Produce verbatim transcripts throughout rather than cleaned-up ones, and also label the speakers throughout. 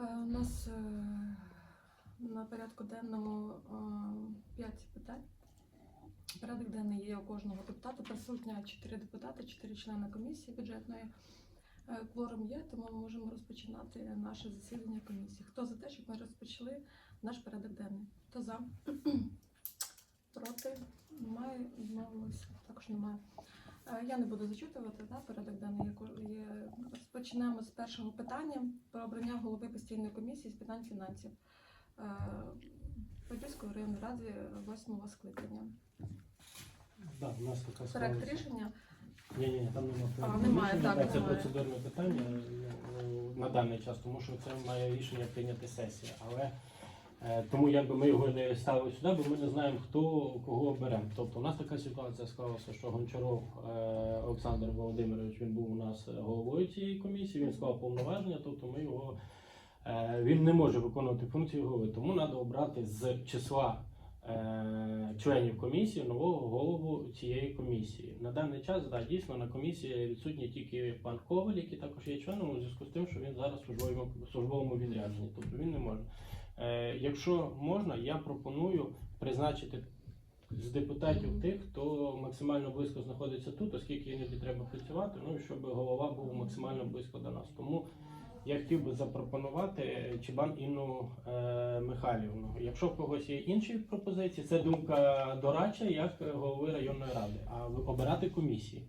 Speaker 1: У нас е, на порядку денному п'ять питань. Порядок денний є у кожного депутата. Присутня чотири депутати, чотири члени комісії бюджетної. Е, Кворум є, тому ми можемо розпочинати наше засідання комісії. Хто за те, щоб ми розпочали наш порядок денний? Хто за? Проти? Немає. Відмовилися? Також немає. Е, Я не буду зачитувати, да, порядок денний є. є. Розпочнемо з першого питання про обрання голови постійної комісії з питань фінансів е, Подільської районної ради восьмого скликання.
Speaker 2: Да, у нас така
Speaker 1: Проект
Speaker 2: склалася-
Speaker 1: рішення.
Speaker 2: Ні, ні, там немає
Speaker 1: А,
Speaker 2: проекту
Speaker 1: немає,
Speaker 2: рішення,
Speaker 1: так,
Speaker 2: це
Speaker 1: немає.
Speaker 2: процедурне питання ну, на даний час, тому що це має рішення прийняти сесія. Але е, тому якби ми його не ставили сюди, бо ми не знаємо, хто кого оберемо. Тобто у нас така ситуація склалася, що Гончаров е, Олександр Володимирович, він був у нас головою цієї комісії, він склав повноваження, тобто ми його е, він не може виконувати функцію голови, тому треба обрати з числа Е, членів комісії нового голову цієї комісії. На даний час, да, дійсно, на комісії відсутній тільки пан Коваль, який також є членом, у зв'язку з тим, що він зараз в службовому, службовому відрядженні, тобто він не може. Е, якщо можна, я пропоную призначити з депутатів тих, хто максимально близько знаходиться тут, оскільки іноді треба працювати, ну і щоб голова був максимально близько до нас. Тому я хотів би запропонувати Чебан Інну е, Михайлівну. Якщо в когось є інші пропозиції, це думка дорадча, як голови районної ради, а ви обирати комісії.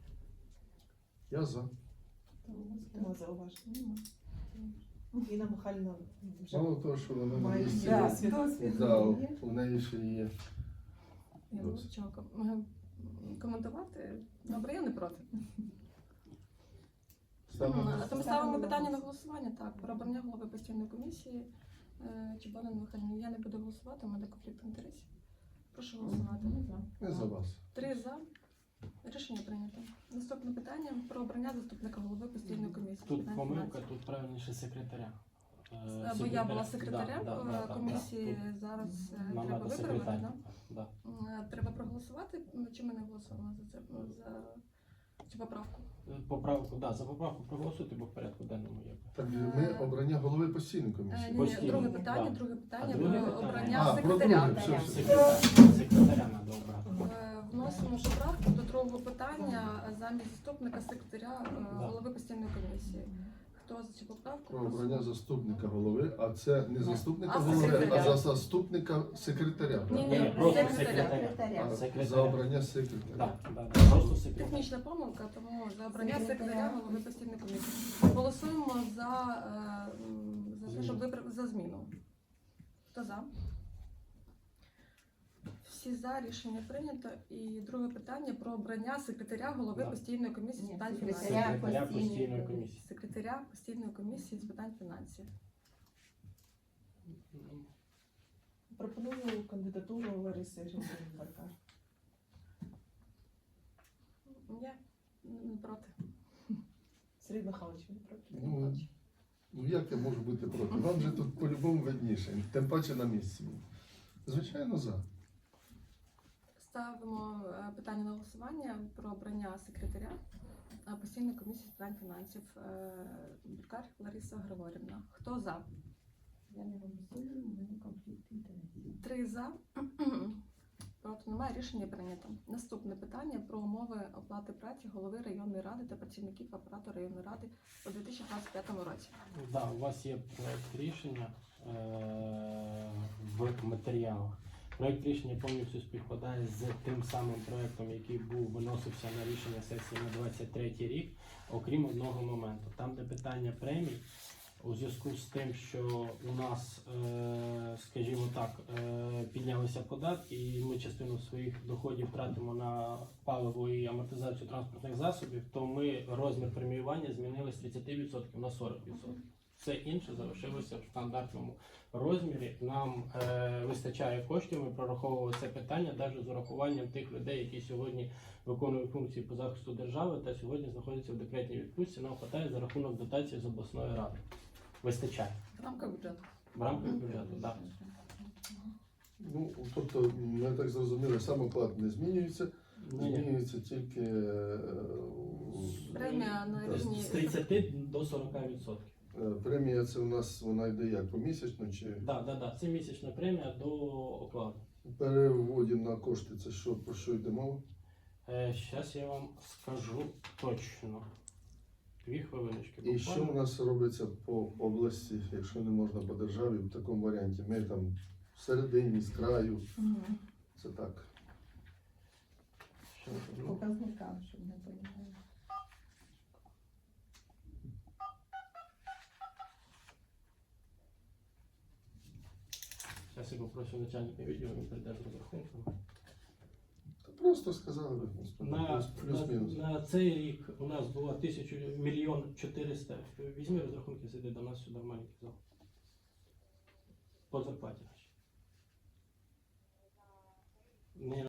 Speaker 3: Я за.
Speaker 4: Нема зауважень. Інна Михайлівна вже
Speaker 3: Мало того, що вона на
Speaker 4: має
Speaker 3: місці,
Speaker 4: досвід.
Speaker 3: да, у неї ще є.
Speaker 1: Я буду чого ком- коментувати. Добре, я не проти.
Speaker 3: Ставимо.
Speaker 1: А то ми ставимо питання на голосування, так, про обрання голови постійної комісії е, Чебанин Михайлівни. Я не буду голосувати, у мене конфлікт інтересів. Прошу голосувати.
Speaker 3: Ми за вас.
Speaker 1: Три за. Рішення прийнято. Наступне питання про обрання заступника голови постійної комісії. з
Speaker 2: Тут
Speaker 1: питань
Speaker 2: помилка,
Speaker 1: фінансів.
Speaker 2: тут правильніше секретаря. Е,
Speaker 1: Бо я була
Speaker 2: секретаря.
Speaker 1: секретарем
Speaker 2: Да, да, да, да,
Speaker 1: комісії,
Speaker 2: да.
Speaker 1: зараз е,
Speaker 2: Нам
Speaker 1: треба
Speaker 2: треба
Speaker 1: виправити.
Speaker 2: секретар.
Speaker 1: Да?
Speaker 2: Да.
Speaker 1: Е, Треба проголосувати, чи ми не голосуємо за це за цю поправку?
Speaker 2: Поправку, да, за поправку проголосуйте, бо в порядку денному є.
Speaker 3: Так, ми обрання голови постійної
Speaker 1: Е,
Speaker 3: комісії.
Speaker 1: Ні, ні,
Speaker 2: Постійно,
Speaker 1: друге питання,
Speaker 2: да.
Speaker 1: друге питання
Speaker 2: А друге
Speaker 1: про
Speaker 2: питання?
Speaker 1: обрання
Speaker 3: А, про
Speaker 1: секретаря.
Speaker 3: друге, все, все.
Speaker 2: Секретаря, секретаря треба обрати.
Speaker 1: Е, Вносимо поправку до другого питання замість заступника секретаря е,
Speaker 2: Да.
Speaker 1: голови постійної комісії. Хто за цю поправку?
Speaker 3: Про обрання заступника голови, а це не заступника
Speaker 1: А
Speaker 3: голови,
Speaker 1: секретаря.
Speaker 3: а за заступника секретаря.
Speaker 1: Ні,
Speaker 2: Ні,
Speaker 1: ні,
Speaker 2: просто
Speaker 1: секретаря.
Speaker 2: секретаря.
Speaker 3: А,
Speaker 2: Секретаря.
Speaker 3: За обрання секретаря.
Speaker 2: Так, да, да, просто секретаря.
Speaker 1: Технічна помилка, тому за обрання
Speaker 4: Секретаря.
Speaker 1: секретаря голови постійної комісії. Голосуємо за, е, м, за те, щоб виправ... за зміну. Хто за? Всі за, рішення прийнято. І друге питання про обрання секретаря голови
Speaker 2: Да.
Speaker 1: постійної комісії з
Speaker 4: Ні,
Speaker 1: питань
Speaker 4: секретаря.
Speaker 1: фінансів.
Speaker 2: Секретаря
Speaker 4: постійної
Speaker 2: постійної
Speaker 4: комісії.
Speaker 2: комісії.
Speaker 1: Секретаря постійної комісії з питань фінансів.
Speaker 4: Пропоную кандидатуру Лариси Гринберга.
Speaker 1: Я не проти.
Speaker 4: Сергій Михайлович, ви проти?
Speaker 3: Ну, ну як я можу бути проти? Вам же тут по-любому видніше, тим паче на місці. Звичайно, за.
Speaker 1: Ставимо е, питання на голосування про обрання секретаря е, постійної комісії з питань фінансів. Е, Буркар Лариса Григорівна. Хто за?
Speaker 4: Я не голосую, у мене конфлікт інтересів.
Speaker 1: Три за. Проти немає, рішення прийнято. Наступне питання про умови оплати праці голови районної ради та працівників апарату районної ради у дві тисячі двадцять п'ятому році.
Speaker 2: Да, у вас є проект рішення е- в матеріалах. Проект рішення повністю співпадає з тим самим проектом, який був виносився на рішення сесії на двадцять третій рік, окрім одного моменту. Там, де питання премій, у зв'язку з тим, що у нас, е, скажімо так, е, піднялися податки, і ми частину своїх доходів тратимо на паливо і амортизацію транспортних засобів, то ми розмір преміювання змінили з тридцяти відсотків на сорок відсотків. Все інше залишилося в стандартному розмірі. Нам е, вистачає коштів, ми прораховували це питання навіть з урахуванням тих людей, які сьогодні виконують функції по захисту держави та сьогодні знаходяться в декретній відпустці. Нам вистачає за рахунок дотації з обласної ради. Вистачає.
Speaker 1: В рамках бюджету.
Speaker 2: В рамках бюджету, так.
Speaker 3: Ну, тобто, ми так зрозуміли, сам оклад не змінюється,
Speaker 2: Ні, ні.
Speaker 3: змінюється тільки е,
Speaker 1: Премія на рівні
Speaker 2: З тридцяти до сорока відсотків.
Speaker 3: Е, Премія це у нас вона йде як помісячно чи
Speaker 2: Да, да, да. Це місячна премія до окладу.
Speaker 3: в переводі на кошти? Це що, про що йде мова?
Speaker 2: Зараз я вам скажу точно. Дві хвилиночки.
Speaker 3: І що у нас робиться по області, якщо не можна по державі в такому варіанті? Ми там всередині, з краю,
Speaker 1: Мгм.
Speaker 3: це так.
Speaker 2: Щас, ну,
Speaker 4: Показникам, щоб не понімали.
Speaker 2: Зараз я попрошу начальника відділу, він прийде з розрахунками.
Speaker 3: Та просто сказали би, господи,
Speaker 2: На,
Speaker 3: плюс- плюс-мінус.
Speaker 2: на, на цей рік у нас було тисячу мільйон чотириста. Візьми розрахунки, сиди до нас сюди в маленький зал. По зарплаті нашій. Не